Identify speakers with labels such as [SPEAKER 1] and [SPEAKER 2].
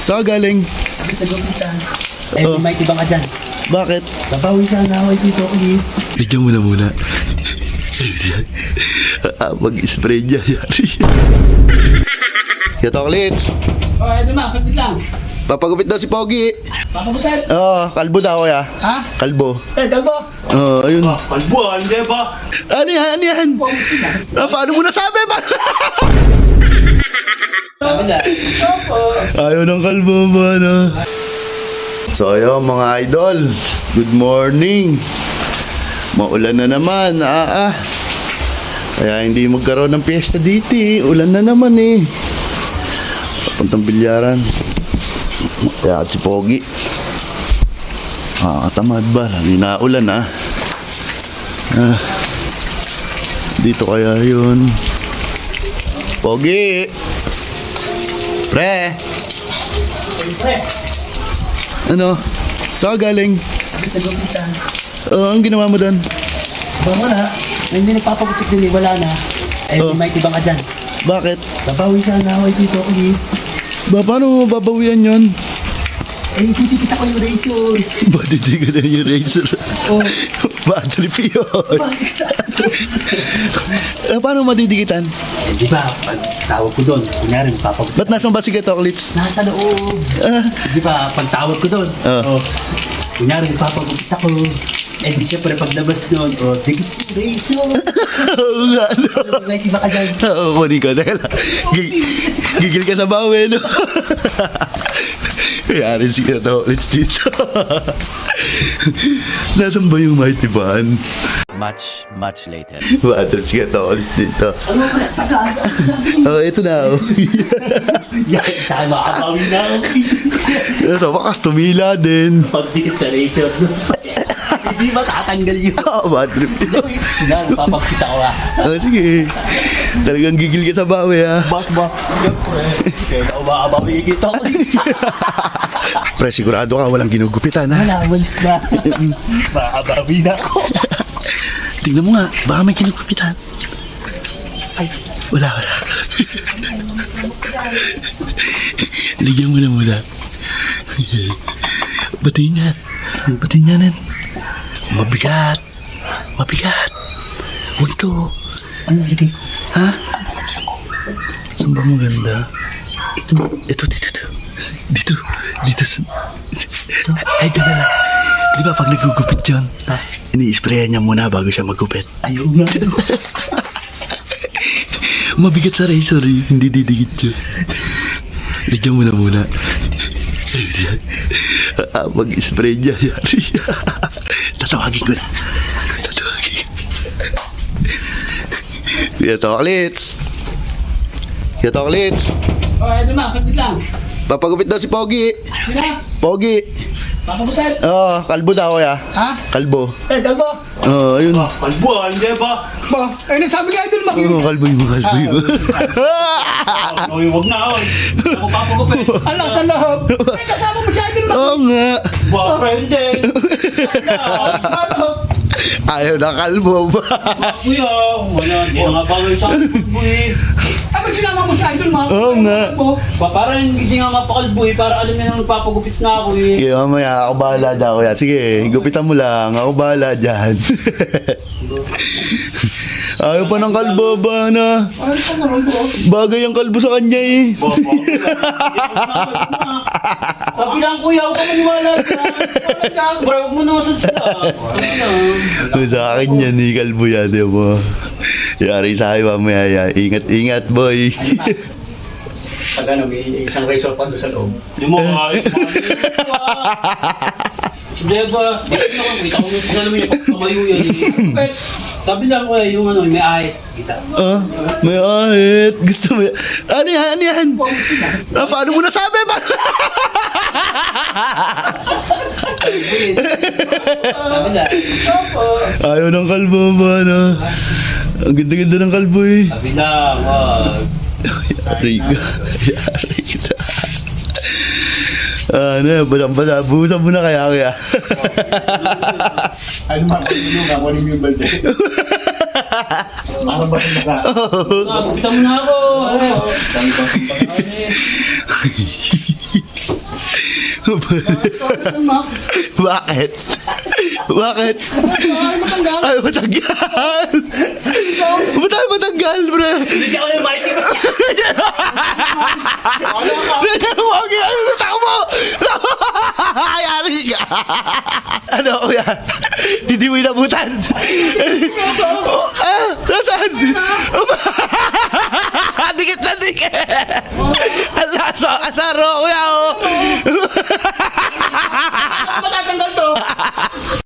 [SPEAKER 1] Saan ka galing?
[SPEAKER 2] Sabi sa gupitan. Eh, may tibang ka dyan.
[SPEAKER 1] Bakit?
[SPEAKER 2] Babawi sana ako dito, kids.
[SPEAKER 1] Bigyan mo na muna. Mag-spray niya. Yari. Katoklits,
[SPEAKER 2] Oh, eto na, saglit lang.
[SPEAKER 1] papagupit daw si Pogi.
[SPEAKER 2] Papagutan.
[SPEAKER 1] Oo, kalbo daw kuya.
[SPEAKER 2] Ha?
[SPEAKER 1] Kalbo.
[SPEAKER 2] Eh, kalbo.
[SPEAKER 1] Oo, ayun.
[SPEAKER 3] Kalbo, hindi ba?
[SPEAKER 1] Ano yan? Ano yan? Paano mo nasabi?
[SPEAKER 2] Sabi na.
[SPEAKER 1] Ayaw ng kalbo ba, no? So, ayun mga idol. Good morning. Maulan na naman. Kaya hindi magkaroon ng piyesta dito eh. Ulan na naman eh. Papuntang bilyaran. Kaya si Pogi. Katamad ba? Hindi na ulan dito kaya yun. Pogi! Pre!
[SPEAKER 2] Pre,
[SPEAKER 1] Ano? Saan ka galing?
[SPEAKER 2] sabi sa gupitan.
[SPEAKER 1] Ang ginawa mo doon?
[SPEAKER 2] Bawa na. Hindi nagpapagutik din, wala na. Eh, may tibang ka dyan.
[SPEAKER 1] Bakit?
[SPEAKER 2] Babawi sana ako dito, kids.
[SPEAKER 1] Paano mo babawian yun?
[SPEAKER 2] Eh, titipita ko yung razor.
[SPEAKER 1] Badidi ka na yung razor.
[SPEAKER 2] Oh,
[SPEAKER 1] Bad trip yun. Paano madidikitan?
[SPEAKER 2] eh, di ba, pag tawag ko doon, kunyari, papagutik.
[SPEAKER 1] Ba't nasan ba si Katoklits?
[SPEAKER 2] Nasa loob. Di ba, pag tawag ko doon, kunyari, papagupit ako. Eh, di siyempre, paglabas doon, dikit yung razor.
[SPEAKER 1] Oo nga, no?
[SPEAKER 2] May tiba ka dyan.
[SPEAKER 1] Oo, kunin ko. Gigil ka sa bawi, no? Kaya si Katoklits dito. Nasaan ba yung mighty ban?
[SPEAKER 4] Much later.
[SPEAKER 1] Bad trip si Katoklits dito.
[SPEAKER 2] Ano ba, taga?
[SPEAKER 1] Ito na.
[SPEAKER 2] Yan, saan makapawi na ako.
[SPEAKER 1] Sa wakas, tumila din.
[SPEAKER 2] Pagdikit sa razor doon. Hindi matatanggal yun.
[SPEAKER 1] Bad trip yun.
[SPEAKER 2] Yan, papagkita ko
[SPEAKER 1] Sige. Talagang gigil ka sa bawi,
[SPEAKER 2] Bakit ba? Siyempre, kaya umakabawi kita ko.
[SPEAKER 1] Pre, sigurado ka, walang ginugupitan, ha?
[SPEAKER 2] Wala, walis na. Makabawi na ako.
[SPEAKER 1] Tingnan mo nga, baka may ginugupitan.
[SPEAKER 2] Ay,
[SPEAKER 1] Wala. Ligyan mo na muna. Batiin yan. Batiin yan. Mabigat. Huwag to.
[SPEAKER 2] ano hindi?
[SPEAKER 1] Ha? Saan ba maganda? Ito. Dito. Ay, dyan na lang. Di ba pag nagugupit yun, ini-sprayan niya muna bago siya magupit.
[SPEAKER 2] Ayaw nga.
[SPEAKER 1] Mabigat sa razor, hindi didikit yun. Ligyan mo na muna. Mag-spray niya. Yari. Tatawagin ko na. Katoklits.
[SPEAKER 2] Oh, eto na, saglit lang.
[SPEAKER 1] Papagupit daw si Pogi.
[SPEAKER 2] Sina?
[SPEAKER 1] Pogi.
[SPEAKER 2] Papagutan.
[SPEAKER 1] Oo, kalbo daw kuya.
[SPEAKER 2] Ha?
[SPEAKER 1] Kalbo.
[SPEAKER 2] Eh, kalbo.
[SPEAKER 1] Oo, ayun.
[SPEAKER 3] Kalbo, hindi ba?
[SPEAKER 2] Ba, eh, nasabi ka idol,
[SPEAKER 1] Oo, kalbo mo.
[SPEAKER 3] Uy, wag na, oy. Ako papagupit.
[SPEAKER 2] Alang sa loob. Eh, kasama mo si idol,
[SPEAKER 1] Oo nga.
[SPEAKER 3] Ba, friendin.
[SPEAKER 1] Ayaw na kalbo ba?
[SPEAKER 3] Kuya, wala. Hindi na nga bagay sa akin, boy.
[SPEAKER 2] Ay, ba't sinama mo si idol, mga?
[SPEAKER 1] Oo nga.
[SPEAKER 3] Parang hindi nga mapakalbo eh. Para alam niya nang nagpapagupit na ako eh.
[SPEAKER 1] Sige, mamaya ako bahala dyan kuya. Sige, gupitan mo lang. Ako bahala dyan. Ayaw pa ng kalbo ba na?
[SPEAKER 2] Ay, saan naman po?
[SPEAKER 1] Bagay ang kalbo sa kanya eh.
[SPEAKER 3] Sabi lang kuya, huwag ka maniwala dyan. Bro, huwag mo namasad sila.
[SPEAKER 1] Kung sa akin yan eh, kalbo yan. Di ba? Yari sa akin mamaya yan. Ingat, boy.
[SPEAKER 2] Pag ano, may isang razor pa doon sa loob.
[SPEAKER 3] Hindi mo kahit Hindi ba? Kita ko yung salamin niya pag tumayo yan eh. Sabi lang kuya, yung ano, may ahit. Kita.
[SPEAKER 1] May ahit. Gusto mo yan? Ano yan? Paano mo nasabi ba?
[SPEAKER 3] Sabi lang.
[SPEAKER 1] Ayaw ng kalbo ba na? Ang ganda-ganda ng kalbo eh.
[SPEAKER 3] Sabi lang, wag.
[SPEAKER 1] Yari ka. Ano, basang-basa. Buhusan mo na kaya.
[SPEAKER 2] Ano man, kunin mo yung balde. Ano ba sa mga?
[SPEAKER 3] Gupitan mo na ako.
[SPEAKER 2] Dami bang
[SPEAKER 1] Bakit? Bakit? Ay, matanggal! Ba't tayo matanggal, bro?
[SPEAKER 3] Hindi ako yung mighty.
[SPEAKER 1] Huwag yan! Takbo mo! Ayari ka! Ano, kuya? Hindi mo inabutan? Nasaan? Dikit na dikit! Asaro, kuya, oh!
[SPEAKER 3] Matatanggal to.